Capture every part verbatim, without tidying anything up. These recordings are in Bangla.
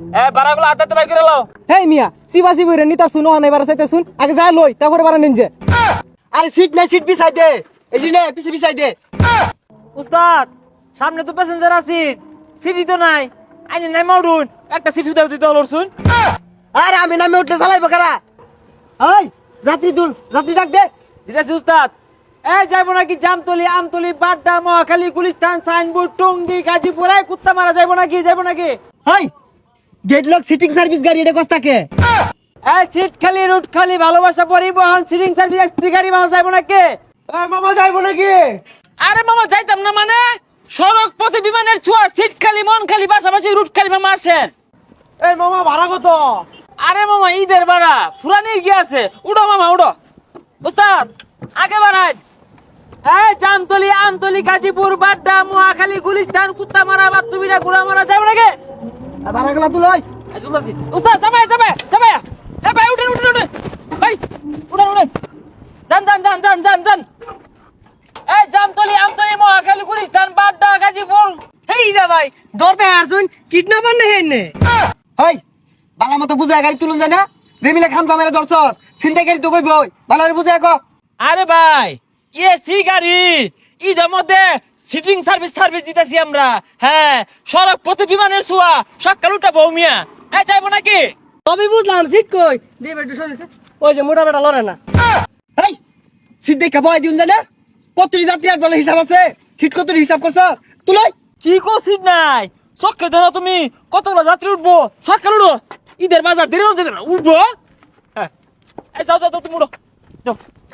এ বারাগুলো আদাতে বাই করে লাও। হেই মিয়া সিবাসি বইরে নিতা শুনো আনে এবার চাইতে শুন আগে যা লই তারপরে বারা নিন যে। আরে সিট নাই সিট বিছাই দে এই যে নে পিছে বিছাই দে। উস্তাদ সামনে তো প্যাসেঞ্জার আছে, সিটি তো নাই, আইনে নাই মাউডুন একটা সিট দাও দিতে হলো শুন। আরে আমি নামে উঠলে চালাইবো কারা? এই যাত্রী তুল, যাত্রী ডাক দে। দিতেছি উস্তাদ। এ যাইবো নাকি জামতলি, আমতলি, বাড্ডা, মহাখালী, গুলিস্তান, সাইনবোর্ড, টঙ্গী, গাজীপুর, এই কুত্তা মারা যাইবো নাকি যাইবো নাকি? এই গেট লক সিটিং সার্ভিস গাড়ি এটা কস্তা কে? এই সিট খালি, রুট খালি, ভালোবাসা পরিবহন, সিটিং সার্ভিস এক্সপি গাড়ি মারা যাইবো নাকি? এই মামা যাইবো নাকি? আরে মামা যাইতাম না মানে সড়ক পথে বিমানের ছোঁয়া, সিট খালি, মন খালি, পাশাপাশি রুট খালি, মামা আসেন। এই মামা ভাড়া কত? আরে মামা ঈদের ভাড়া ফুরানির কি আছে, উঠো মামা উঠো। উস্তাদ আগে বাড়াই। এই জামতলি, আমতলি, গাজীপুর, বাড্ডা, মহাখালী, গুলিস্তান, কুত্তা মারা, বাতুবিরা, গুড়া মারা যাইবো নাকি? ভাড়া গুলা তুল। ওই এই চলতাছি উস্তাদ, যাবে যাবে যাবে। এ ভাই উঠেন উঠেন উঠেন ভাই, উঠেন উঠেন, যান যান যান যান যান যান। এই জামতলি, আমতলি, মহাখালী, গুলিস্তান, বাড্ডা, গাজীপুর। হেই দা ভাই দরতে হারছুন কিডন্যাপার না হেনে। এই বালা মতো বুঝায় গাড়ি তুলুন যায় না? জেমিলে খামসা মেরে ধরছস চিন্তা গাড়ি তো কইব ভালো করে বুঝায় কো। আরে ভাই এসি গাড়ি ঈদের মধ্যে সিটিং সার্ভিস সার্ভিস দিতেছি আমরা। হ্যাঁ সড়ক পথে বিমানের ছোঁয়া, সকাল উঠা বৌমিয়া। এই যাইবো নাকি? তবে বুঝলাম সিট কই দে বেটু সরেছে ওই যে মোটা বেটা লড়ে না। এই সিট দেখা বয় দিউন যায় না? কতটি যাত্রী আর বলে হিসাব আছে? সিট কতটি হিসাব করছ? তুলই কি কো সিট নাই? চক্কে দেন তুমি কতগুলো যাত্রী উঠবো, সকাল উঠো, ঈদের বাজার দেরি হচ্ছে না, উঠবো। হ্যাঁ এই যাও যাও যাও, তুমি উঠো যাও।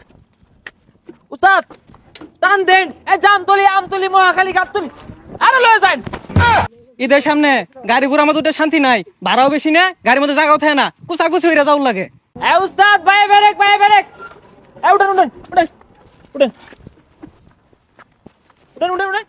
উস্তাদ টান দেন। এই জামতলি, আমতলি, মহাখালী, গাবতলি, আরে লয়ে যান। ঈদের সামনে গাড়ি ঘোড়া মধ্যে শান্তি নাই, ভাড়াও বেশি না, গাড়ির মধ্যে জায়গাও থাকে না, কুচাকুচি হইরা যাওয়ার লাগে। এ উস্তাদ ভাই বেরেক ভাই বেরেক। এ উঠেন উঠেন উঠেন উঠেন উঠেন উঠেন উঠেন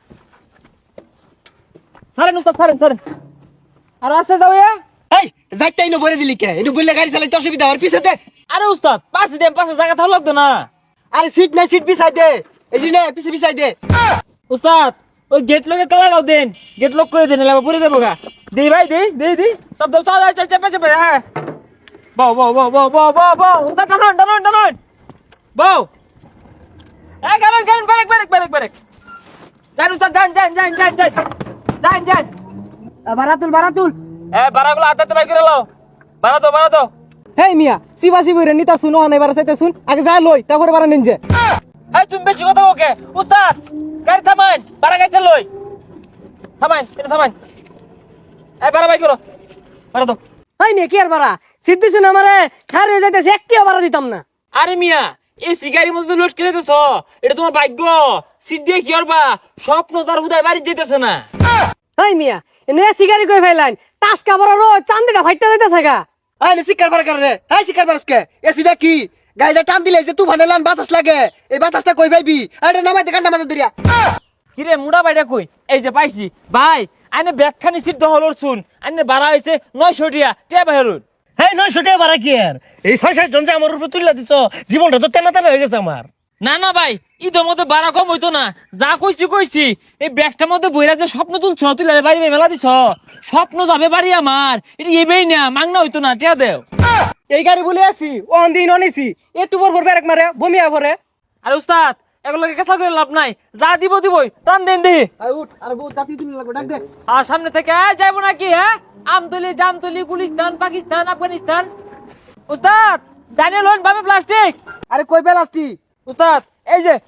সারেন উস্তাদ সারেন সারেন। আর আসতে যাও ইয়া। এই যাইতে ইনো বলে দিলি কে? ইনো বললে গাড়ি চালাইতে অসুবিধা আর পিছে দে। আরে উস্তাদ পাশে দেন, পাশে জায়গা থাকলে লাগতো না। আরে সিট নাই সিট বিছাই দে এই যে নে পিছে বিছাই দে। উস্তাদ ওই গেট লকে তালা দাও দেন, গেট লক করে দেন, এলাকা পুরে যাবো গা। দে ভাই দে দে দে সব দাও, চাল চাল চেপে চেপে। হ্যাঁ বাও বাও বাও বাও বাও বাও বাও উস্তাদ টানুন টানুন টানুন বাও। এ কারণ কারণ ব্রেক ব্রেক ব্রেক ব্রেক। যান উস্তাদ যান যান যান যান যান যান যান। ভাড়া তুল ভাড়া তুল। এ বারাগুলো আদাতে বাই করে লাও। বারা দাও বারা দাও। হেই মিয়া সিবাসি বইরে নিতা শুনো আনে এবার চাইতে শুন আগে যা লই তারপরে বারা নিন যে। এই তুমি বেশি কথা ওকে উস্তাদ, গাড়ি থামান, বারা গাড়ি চালই থামান, এটা থামান। এই বারা বাই করো, বারা দাও। হাই মিয়া কি আর বারা সিট দিছুন আমারে খার হয়ে যাইতেছে একটিও বারা দিতাম না। আরে মিয়া এই সিগারির মধ্যে লোড করে দিতেছ, এটা তোমার ভাগ্য। সিট দিয়ে কি করবা, স্বপ্ন তার হুদায় বাড়ি যেতেছে না। হাই মিয়া এনে সিগারি কই ফাইলাইন টাসকা বড় রো চান্দিটা ফাইটটা যাইতেছে গা। এই নে শিকার বার করে রে। এই শিকার বারসকে এসিটা কি গাড়িটা টান দিলে যে তুফানে লান বাতাস লাগে, এই বাতাসটা কই পাইবি? আরে নামাইতে কান্না মাথা দরিয়া। কিরে মুড়া বাইটা কই? এই যে পাইছি ভাই, আইনে ব্যাগখানি সিট দহল শুন, আইনে বাড়া হয়েছে নয়শো টিয়া টিয়া বাহিরুন। হ্যাঁ নয়শো টাকা ভাড়া কি আর? এই ছয় সাত জন যে আমার উপরে তুলে দিছ, জীবনটা তো তেনা তেনা হয়ে গেছে আমার। না না ভাই ঈদের মধ্যে বাড়া কম হইতো না, যা কইছি কইছি। এই ব্যাগটার মধ্যে বইরা যে স্বপ্ন তুলছ, তুলে বাড়ি মেলা দিছ, স্বপ্ন যাবে বাড়ি আমার। এটা এবেই না মাংনা হইতো না, টিয়া দেও। এই গাড়ি বলে আছি অন দিন অনেছি একটু পর পর ব্রেক মারে বমিয়া পরে। আরে উস্তাদ এগুলোকে কেসা করে লাভ নাই, যা দিব দিবই, টান দেন দেহি। আই উঠ আরে বহুত যাত্রী তুলে লাগবে ডাক দে। আর সামনে থেকে এ, যাইবো নাকি? হ্যাঁ আমতলি, জামতলি, গুলিস্তান, পাকিস্তান, আফগানিস্তান। উস্তাদ দানিয়েল হন ভাবে প্লাস্টিক। আরে কই প্লাস্টিক? উস্তাদ এই যে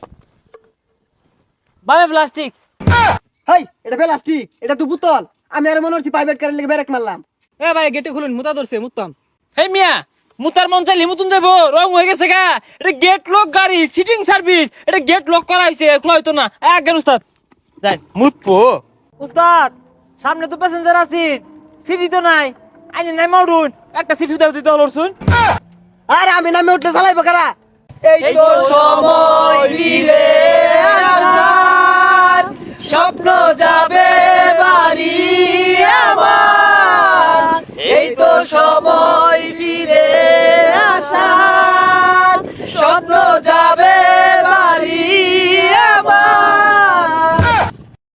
ভাবে প্লাস্টিক। হেই এটা প্লাস্টিক, এটা তো বোতল। আমি আর মনে হচ্ছে প্রাইভেট কারের লেগে ব্রেক মারলাম। এ ভাই গেটে খুলুন মুতা ধরছে মুতাম। হে মিয়া মুতার মন চাইলে মুতুন যাবো, রং হয়ে গেছে গা। এটা গেট লক গাড়ি, সিটিং সার্ভিস, এটা গেট লক করা হয়েছে, খোলা হইতো না। একজন উস্তাদ যাই মুতপো। উস্তাদ সামনে তো প্যাসেঞ্জার আছে, সিটি তো নাই, আইনে নাই মাউডুন একটা সিট দাও দিতে হলো শুন। আরে আমি নামে উঠলে চালাইবো কারা? এই এই তো তো সময় দিলে আসার স্বপ্ন যাবে